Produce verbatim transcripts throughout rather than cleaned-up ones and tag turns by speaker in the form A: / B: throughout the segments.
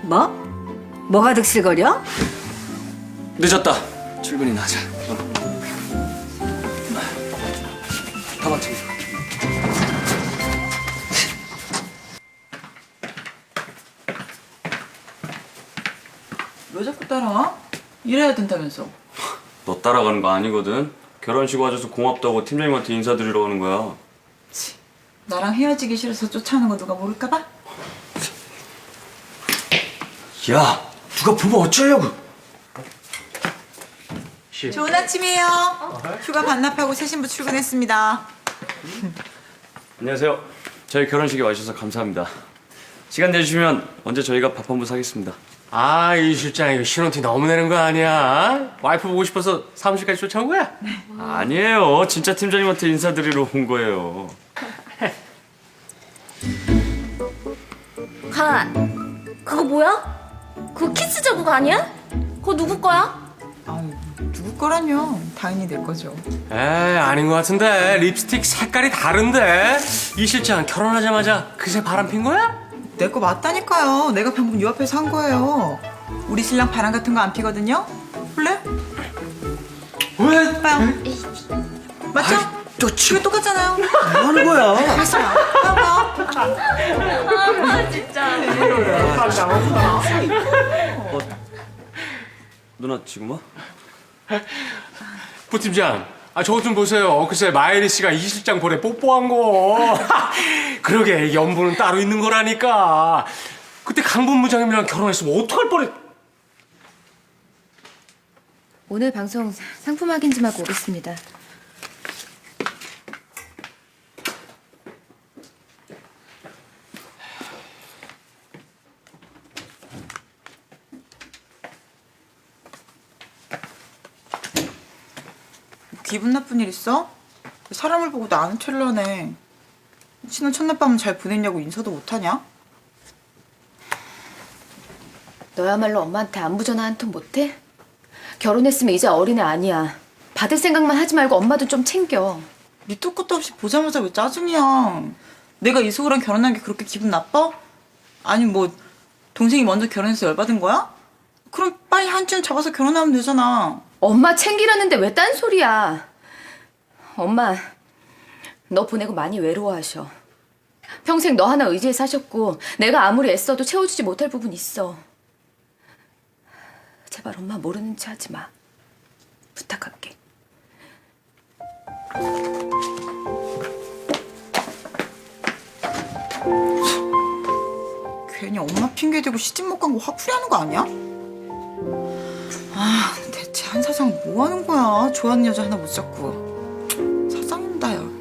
A: 뭐? 뭐가 득실거려?
B: 늦었다. 출근이나 하자. 어. 다 맞춰.
C: 왜 자꾸 따라와? 일해야 된다면서.
B: 너 따라가는 거 아니거든. 결혼식 와줘서 고맙다고 팀장님한테 인사드리러 오는 거야.
C: 치, 나랑 헤어지기 싫어서 쫓아오는 거 누가 모를까봐?
B: 야, 누가 보면 어쩌려고?
C: 좋은 아침이에요. 휴가 반납하고 새 신부 출근했습니다.
B: 안녕하세요. 저희 결혼식에 와주셔서 감사합니다. 시간 내주시면 언제 저희가 밥 한번 사겠습니다.
D: 아, 이 실장 이거 신혼티 너무 내는 거 아니야? 와이프 보고 싶어서 사무실까지 쫓아온 거야?
B: 아니에요. 진짜 팀장님한테 인사드리러 온 거예요.
E: 간, 그거 뭐야? 그거 키스 자국 아니야? 그거 누구 거야?
C: 아유, 누구 거라뇨? 당연히 내 거죠.
D: 에이, 아닌 것 같은데. 립스틱 색깔이 다른데. 이 실장 결혼하자마자 그새 바람 핀 거야?
C: 내 거 맞다니까요. 내가 방금 요 앞에서 산 거예요. 우리 신랑 바람 같은 거 안 피거든요. 볼래?
D: 왜?
C: 봐요. 맞죠?
D: 너 지금
C: 이거 똑같잖아요.
D: 뭐 하는 거야?
C: 다시 봐. 봐봐.
E: 아 진짜.
B: 누나 지금 와?
D: 부팀장, 아 저거 좀 보세요. 글쎄 마예리 씨가 이 실장 볼에 뽀뽀한 거. 그러게 연분은 따로 있는 거라니까. 그때 강분 부장님이랑 결혼했으면 어떡할 뻔했.
F: 오늘 방송 상품 확인 좀 하고 오겠습니다.
C: 기분 나쁜 일 있어? 사람을 보고 나 아는 척을 하네. 신혼 첫날 밤은 잘 보냈냐고 인사도 못하냐?
F: 너야말로 엄마한테 안부 전화 한 통 못해? 결혼했으면 이제 어린애 아니야. 받을 생각만 하지 말고 엄마도 좀 챙겨.
C: 밑도 끝도 없이 보자마자 왜 짜증이야? 내가 이수호랑 결혼한 게 그렇게 기분 나빠? 아니 뭐 동생이 먼저 결혼해서 열받은 거야? 그럼 빨리 한쯤 잡아서 결혼하면 되잖아.
F: 엄마 챙기라는데 왜 딴소리야. 엄마, 너 보내고 많이 외로워하셔. 평생 너 하나 의지해 사셨고 내가 아무리 애써도 채워주지 못할 부분 있어. 제발 엄마 모르는 체 하지 마. 부탁할게.
C: 괜히 엄마 핑계 대고 시집 못 간 거 화풀이하는 거 아니야? 아 대체 한 사장 뭐 하는 거야? 좋아하는 여자 하나 못 잡고 사장입니다 야.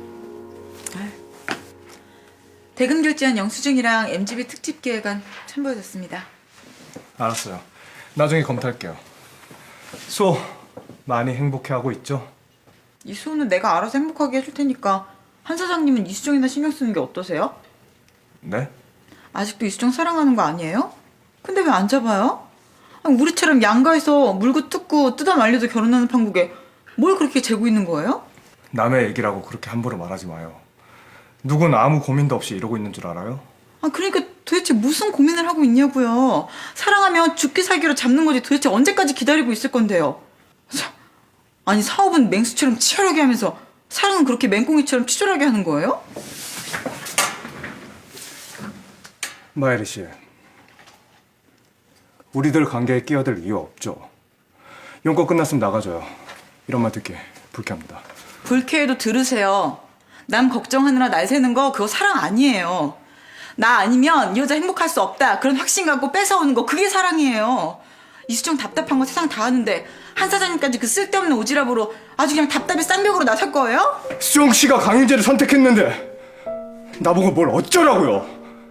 C: 대금 결제한 영수증이랑 엠지비 특집 계획안 첨부해줬습니다.
G: 알았어요. 나중에 검토할게요. 수호, 많이 행복해하고 있죠?
C: 이수호는 내가 알아서 행복하게 해줄 테니까 한 사장님은 이수정이나 신경 쓰는 게 어떠세요?
G: 네?
C: 아직도 이수정 사랑하는 거 아니에요? 근데 왜 안 잡아요? 아니, 우리처럼 양가에서 물고 뜯고 뜯어 말려도 결혼하는 판국에 뭘 그렇게 재고 있는 거예요?
G: 남의 얘기라고 그렇게 함부로 말하지 마요. 누군 아무 고민도 없이 이러고 있는 줄 알아요?
C: 아 그러니까 도대체 무슨 고민을 하고 있냐고요. 사랑하면 죽기 살기로 잡는 거지 도대체 언제까지 기다리고 있을 건데요. 참, 아니 사업은 맹수처럼 치열하게 하면서 사랑은 그렇게 맹꽁이처럼 치졸하게 하는 거예요?
G: 마예리 씨, 우리들 관계에 끼어들 이유 없죠. 용건 끝났으면 나가줘요. 이런 말 듣기 불쾌합니다.
C: 불쾌해도 들으세요. 남 걱정하느라 날 새는 거 그거 사랑 아니에요. 나 아니면 이 여자 행복할 수 없다 그런 확신 갖고 뺏어오는 거 그게 사랑이에요. 이수정 답답한 거 세상 다 아는데 한 사장님까지 그 쓸데없는 오지랖으로 아주 그냥 답답해 쌍벽으로 나설 거예요?
G: 수정 씨가 강윤재를 선택했는데 나보고 뭘 어쩌라고요?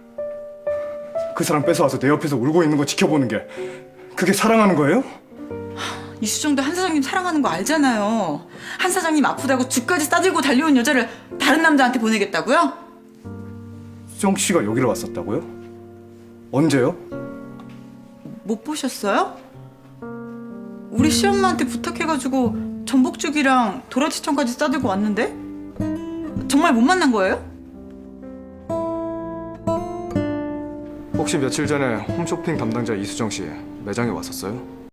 G: 그 사람 뺏어와서 내 옆에서 울고 있는 거 지켜보는 게 그게 사랑하는 거예요?
C: 이수정도 한 사장님 사랑하는 거 알잖아요. 한 사장님 아프다고 죽까지 싸들고 달려온 여자를 다른 남자한테 보내겠다고요?
G: 수정 씨가 여기로 왔었다고요? 언제요?
C: 못 보셨어요? 우리 시엄마한테 부탁해가지고 전복죽이랑 도라지청까지 싸들고 왔는데? 정말 못 만난 거예요?
G: 혹시 며칠 전에 홈쇼핑 담당자 이수정 씨 매장에 왔었어요?